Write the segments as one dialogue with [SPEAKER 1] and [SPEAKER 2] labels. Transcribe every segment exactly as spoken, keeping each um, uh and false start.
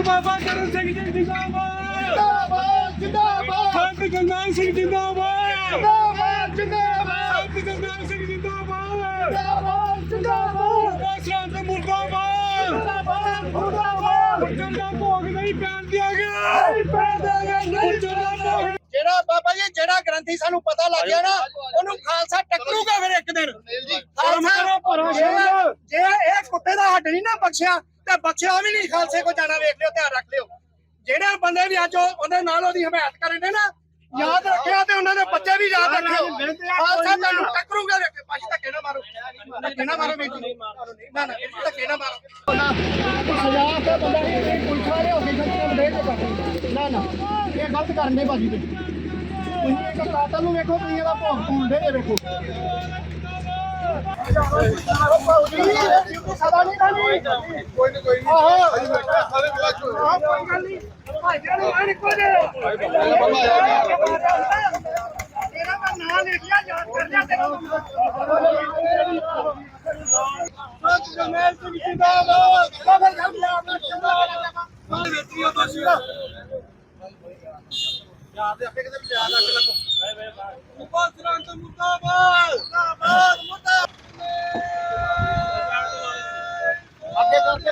[SPEAKER 1] ਬਾਬਾ ਚਰਨ ਸਿੰਘ ਜੀ ਜਿੰਦਾਬਾਦ ਜਿੰਦਾਬਾਦ ਸੰਤ ਗੁਰਨਾਮ ਸਿੰਘ ਜਿੰਦਾਬਾਦ ਜਿੰਦਾਬਾਦ ਜਿੰਦਾਬਾਦ ਸੰਤ ਗੁਰਨਾਮ ਸਿੰਘ ਜਿੰਦਾਬਾਦ ਜਿੰਦਾਬਾਦ ਜਿੰਦਾਬਾਦ ਸੰਤ ਮੁਰਦਾਬਾਦ ਮੁਰਦਾਬਾਦ ਮੁਰਦਾਬਾਦ ਜਿੰਦਾ ਭੋਗ ਨਹੀਂ ਪੈਣ ਦਿਆਂਗੇ ਨਹੀਂ ਪੈਣ ਦਿਆਂਗੇ ਨਹੀਂ ਭੋਗ
[SPEAKER 2] ਜਿਹੜਾ ਬਾਬਾ ਜੀ ਜਿਹੜਾ ਗ੍ਰੰਥੀ ਸਾਨੂੰ ਪਤਾ ਲੱਗ ਗਿਆ ਨਾ ਉਹਨੂੰ ਖਾਲਸਾ ਟੱਕਰੂਗਾ ਫਿਰ ਇੱਕ ਦਿਨ ਖਾਲਸਾ ਜੇ ਇਹ ਕੁੱਤੇ ਦਾ ਹੱਡ ਨਹੀਂ ਨਾ ਬਖਸ਼ਿਆ ਤੇ ਬਖਸ਼ਿਆ ਵੀ ਨਹੀਂ ਖਾਲਸੇ ਕੋ ਜਾਣਾ ਵੇਖ ਲਿਓ ਧਿਆਨ ਰੱਖ ਲਿਓ ਜਿਹੜੇ ਬੰਦੇ ਵੀ ਅੱਜ ਉਹਦੇ ਨਾਲ ਉਹਦੀ ਹਮਾਇਤ ਕਰਨ ਦੇ ਨਾ ਯਾਦ ਰੱਖਿਆ ਤੇ ਉਹਨਾਂ ਦੇ ਬੱਚੇ ਵੀ ਯਾਦ ਰੱਖਿਓ ਖਾਲਸਾ ਤੁਹਾਨੂੰ ਟੱਕਰੂਗਾ ਵੇਖ ਪਾਜੀ ਧੱਕੇ ਨਾ ਮਾਰੋ ਧੱਕੇ ਨਾ ਮਾਰੋ ਬੇਟੀ ਨਾ ਨਾ ਧੱਕੇ ਨਾ ਮਾਰੋ ਸਜ਼ਾ ਤੇ ਬੰਦਾ ਪੁਲਿਸ ਵਾਲੇ ਹੋ ਕੇ ਛੱਡਦੇ ਦੇ ਨਾ ਨਾ ਇਹ ਗਲਤ ਕਰਨੇ ਬਾਜੀ ਤੇ ਤੁਸੀਂ ਇੱਕ ਕਾਤਲ ਨੂੰ ਵੇਖੋ ਤੁਸੀਂ ਇਹਦਾ ਭੋਗ ਪਾਉਂਦੇ ਜੇ ਵੇਖੋ ਸਦਾ ਨਹੀਂ ਖਾਣੀ ਕੋਈ ਨਹੀਂ ਕੋਈ ਨਹੀਂ ਆਹੋ ਸਾਰੇ ਵਿਲਾਸ ਹੋਏ ਕੋਈ ਗੱਲ ਨਹੀਂ ਭਾਈਆਂ ਨੂੰ ਆਣ ਕੋ ਦੇ ਤੇਰਾ ਮੈਂ ਨਾਂ ਲਿਖਿਆ ਯਾਦ ਕਰ ਲਿਆ ਤੇਰਾ ਜਮੇਲ ਸਿੰਘ ਜਿੰਦਾਬਾਦ ਬਾਬਰ ਸਾਹਿਬ ਜਿੰਦਾਬਾਦ ਵੇਚੀਓ ਬਸ ਯਾਦ ਆਪੇ ਕਿਤੇ ਯਾਦ ਰੱਖ ਲੱਗੋ ਉਪਰ ਸਰੰਤ ਮੁਰਦਾਬਾਦ ਮੁਰਦਾਬਾਦ ਮੁਰਦਾਬਾਦ ਅੱਗੇ ਕਰਕੇ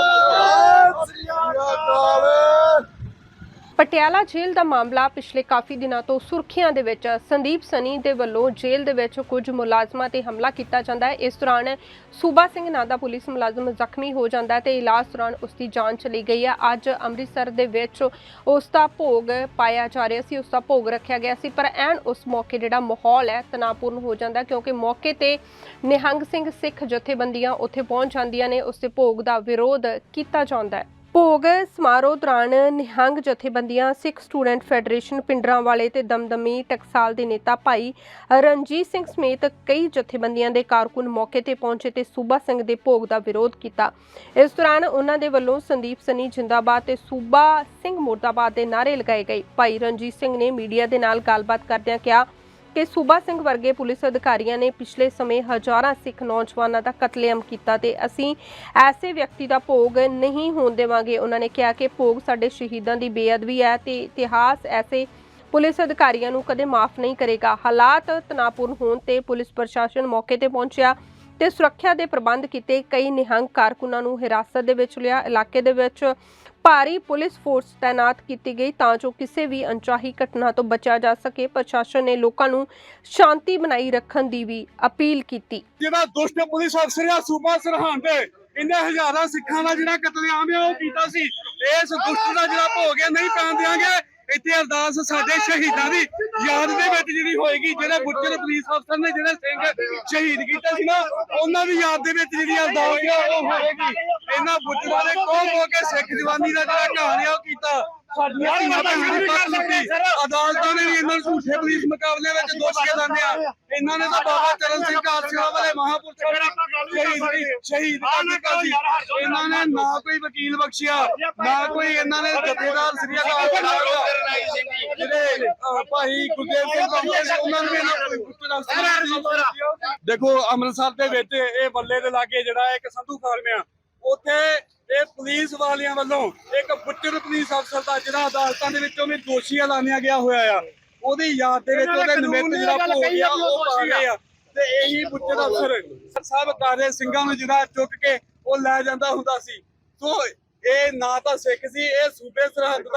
[SPEAKER 3] ਪਟਿਆਲਾ ਜੇਲ੍ਹ ਦਾ ਮਾਮਲਾ ਪਿਛਲੇ ਕਾਫੀ ਦਿਨਾਂ ਤੋਂ ਸੁਰਖੀਆਂ ਦੇ ਵਿੱਚ ਸੰਦੀਪ ਸਨੀ ਦੇ ਵੱਲੋਂ ਜੇਲ੍ਹ ਦੇ ਵਿੱਚ ਕੁਝ ਮੁਲਾਜ਼ਮਾਂ ਤੇ ਹਮਲਾ ਕੀਤਾ ਜਾਂਦਾ ਹੈ। ਇਸ ਦੌਰਾਨ ਸੂਬਾ ਸਿੰਘ ਨਾਂ ਦਾ ਪੁਲਿਸ ਮੁਲਾਜ਼ਮ ਜ਼ਖਮੀ ਹੋ ਜਾਂਦਾ ਹੈ ਤੇ ਇਲਾਜ ਦੌਰਾਨ ਉਸ ਦੀ ਜਾਨ ਚਲੀ ਗਈ ਹੈ। ਅੱਜ ਅੰਮ੍ਰਿਤਸਰ ਦੇ ਵਿੱਚ ਉਸ ਦਾ ਭੋਗ ਪਾਇਆ ਜਾ ਰਿਹਾ ਸੀ, ਉਸ ਦਾ ਭੋਗ ਰੱਖਿਆ ਗਿਆ ਸੀ, ਪਰ ਐਨ ਉਸ ਮੌਕੇ ਜਿਹੜਾ ਮਾਹੌਲ ਹੈ ਤਣਾਅਪੂਰਨ ਹੋ ਜਾਂਦਾ ਕਿਉਂਕਿ ਮੌਕੇ ਤੇ ਨਿਹੰਗ ਸਿੰਘ ਸਿੱਖ ਜਥੇਬੰਦੀਆਂ ਉੱਥੇ ਪਹੁੰਚ ਜਾਂਦੀਆਂ ਨੇ, ਉਸ ਦੇ ਭੋਗ ਦਾ ਵਿਰੋਧ ਕੀਤਾ ਜਾਂਦਾ ਹੈ। ਭੋਗ ਸਮਾਰੋਹ ਦੌਰਾਨ ਨਿਹੰਗ ਜਥੇਬੰਦੀਆਂ ਸਿੱਖ ਸਟੂਡੈਂਟ ਫੈਡਰੇਸ਼ਨ ਪਿੰਡਰਾਂਵਾਲੇ ਤੇ ਦਮਦਮੀ ਟਕਸਾਲ ਦੇ ਨੇਤਾ ਭਾਈ ਰਣਜੀਤ ਸਿੰਘ ਸਮੇਤ ਕਈ ਜਥੇਬੰਦੀਆਂ ਦੇ ਕਾਰਕੁਨ ਮੌਕੇ ਤੇ ਪਹੁੰਚੇ ਤੇ ਸੂਬਾ ਸਿੰਘ ਦੇ ਭੋਗ ਦਾ ਵਿਰੋਧ ਕੀਤਾ। ਇਸ ਦੌਰਾਨ ਉਹਨਾਂ ਦੇ ਵੱਲੋਂ ਸੰਦੀਪ ਸਨੀ ਜਿੰਦਾਬਾਦ ਤੇ ਸੂਬਾ ਸਿੰਘ ਮੁਰਦਾਬਾਦ ਦੇ ਨਾਅਰੇ ਲਗਾਏ ਗਏ। ਭਾਈ ਰਣਜੀਤ ਸਿੰਘ ਨੇ ਮੀਡੀਆ ਦੇ ਨਾਲ ਗੱਲਬਾਤ ਕਰਦਿਆਂ ਕਿਹਾ ਕਿ ਸੂਬਾ ਸਿੰਘ ਵਰਗੇ ਪੁਲਿਸ ਅਧਿਕਾਰੀਆਂ ਨੇ ਪਿਛਲੇ ਸਮੇਂ ਹਜ਼ਾਰਾਂ ਸਿੱਖ ਨੌਜਵਾਨਾਂ ਦਾ ਕਤਲੇਆਮ ਕੀਤਾ ਤੇ ਅਸੀਂ ਐਸੇ ਵਿਅਕਤੀ ਦਾ ਭੋਗ ਨਹੀਂ ਹੋਣ ਦੇਵਾਂਗੇ। ਉਹਨਾਂ ਨੇ ਕਿਹਾ ਕਿ ਭੋਗ ਸਾਡੇ ਸ਼ਹੀਦਾਂ ਦੀ ਬੇਅਦਬੀ ਹੈ ਤੇ ਇਤਿਹਾਸ ਐਸੇ ਪੁਲਿਸ ਅਧਿਕਾਰੀਆਂ ਨੂੰ ਕਦੇ ਮਾਫ ਨਹੀਂ ਕਰੇਗਾ। ਹਾਲਾਤ ਤਣਾਅਪੂਰਨ ਹੋਣ ਤੇ ਪੁਲਿਸ ਪ੍ਰਸ਼ਾਸਨ ਮੌਕੇ ਤੇ ਪਹੁੰਚਿਆ ਤੇ ਸੁਰੱਖਿਆ ਦੇ ਪ੍ਰਬੰਧ ਕੀਤੇ। ਕਈ ਨਿਹੰਗ ਕਾਰਕੁਨਾਂ ਨੂੰ ਹਿਰਾਸਤ ਦੇ ਵਿੱਚ ਲਿਆ। ਇਲਾਕੇ ਦੇ ਵਿੱਚ ਭਾਰੀ ਪੁਲਿਸ ਫੋਰਸ ਤਾਇਨਾਤ ਕੀਤੀ ਗਈ ਤਾਂ ਜੋ ਕਿਸੇ ਵੀ ਅਣਚਾਹੀ ਘਟਨਾ ਤੋਂ ਬਚਿਆ ਜਾ ਸਕੇ। ਪ੍ਰਸ਼ਾਸਨ ਨੇ ਲੋਕਾਂ ਨੂੰ ਸ਼ਾਂਤੀ ਬਣਾਈ ਰੱਖਣ ਦੀ ਵੀ ਅਪੀਲ ਕੀਤੀ।
[SPEAKER 1] ਜਿਹੜਾ ਦੁਸ਼ਟ ਪੁਲਿਸ ਅਫਸਰ ਆ ਸੂਬਾ ਸਰਹੰਦ ਦੇ ਇੰਨੇ ਹਜ਼ਾਰਾਂ ਸਿੱਖਾਂ ਦਾ ਜਿਹੜਾ ਕਤਲੇਆਮ ਹੈ ਉਹ ਕੀਤਾ ਸੀ। ਇਸ ਦੁਸ਼ਟ ਦਾ ਜਿਹੜਾ ਭੋਗ ਹੈ ਨਹੀਂ ਪੈਣ ਦਿਆਂਗੇ। ਇੱਥੇ ਅਰਦਾਸ ਸਾਡੇ ਸ਼ਹੀਦਾਂ ਦੀ ਯਾਦ ਦੇ ਵਿੱਚ ਜਿਹੜੀ ਹੋਏਗੀ, ਜਿਹੜੇ ਬੁੱਚਰ ਪੁਲਿਸ ਅਫਸਰ ਨੇ ਜਿਹੜੇ ਸਿੰਘ ਸ਼ਹੀਦ ਕੀਤੇ ਸੀ ਨਾ ਉਹਨਾਂ ਦੀ ਯਾਦ ਦੇ ਵਿੱਚ ਜਿਹੜੀ ਅਰਦਾਸ ਹੈ ਉਹ ਹੋਏਗੀ। ਇਹਨਾਂ ਬੁੱਚਰਾਂ ਨੇ ਕੋਹ ਹੋ ਕੇ ਸਿੱਖ ਜਵਾਨੀ ਦਾ ਜਿਹੜਾ ਕਹਾਣੀ ਉਹ ਕੀਤਾ। ਸਾਡੀਆਂ ਧੀਆਂ ਭੈਣਾਂ ਦੀ ਪੱਤ ਲੁੱਟੀ। ਅਦਾਲਤਾਂ ਨੇ ਵੀ ਇਹਨਾਂ ਨੂੰ ਝੂਠੇ ਪੁਲਿਸ ਮੁਕਾਬਲੇ ਵਿੱਚ ਦੋਸ਼ੀ ਲਾਉਂਦੇ ਆ। ਇਹਨਾਂ ਨੇ ਤਾਂ ਬਾਬਾ ਚਰਨ ਸਿੰਘ ਕਾਲਸੀਆ ਵਾਲੇ ਮਹਾਂਪੁਰਸ਼ਾਂ ਨੂੰ ਸ਼ਹੀਦ ਕਰ ਦਿੱਤਾ ਸੀ। ਇਹਨਾਂ ਨੇ ਨਾ ਕੋਈ ਵਕੀਲ ਬਖਸ਼ਿਆ, ਨਾ ਕੋਈ ਇਹਨਾਂ ਨੇ ਜਥੇਦਾਰ ਸ੍ਰੀ ਅਕਾਲ ਤਖਤ ਜਿਹੜੇ ਭਾਈ ਗੁਰਦੇਵ ਸਿੰਘ ਉਹਨਾਂ ਨੂੰ ਦੇਖੋ ਅੰਮ੍ਰਿਤਸਰ ਦੇ ਵਿੱਚ ਇਹ ਬੱਲੇ ਦੇ ਲਾਗੇ ਜਿਹੜਾ ਇੱਕ ਸੰਧੂ ਫਾਰਮ ਆ, ਉੱਥੇ ਇਹ ਪੁਲਿਸ ਵਾਲਿਆਂ ਵੱਲੋਂ ਇੱਕ ਬੁੱਚਰ ਪੁਲਿਸ ਅਫਸਰ ਦਾ ਜਿਹੜਾ ਅਦਾਲਤਾਂ ਦੇ ਵਿੱਚੋਂ ਵੀ ਦੋਸ਼ੀ ਐਲਾਨਿਆ ਗਿਆ ਹੋਇਆ ਆ, ਉਹਦੀ ਯਾਦ ਦੇ ਵਿੱਚ ਉਹਦੇ ਨਿਮਿਤ ਜਿਹੜਾ ਭੋਗ ਆ ਉਹ ਪਾ ਗਏ ਆ। ਤੇ ਇਹੀ ਬੁੱਚਰ ਅਫਸਰ ਸਭ ਕਾਰੇ ਸਿੰਘਾਂ ਨੂੰ ਜਿਹੜਾ ਚੁੱਕ ਕੇ ਉਹ ਲੈ ਜਾਂਦਾ ਹੁੰਦਾ ਸੀ। ਸੋ ਇਹ ਨਾ ਤਾਂ ਸਿੱਖ ਸੀ, ਇਹ ਸੂਬੇ ਸਰਹੰਦ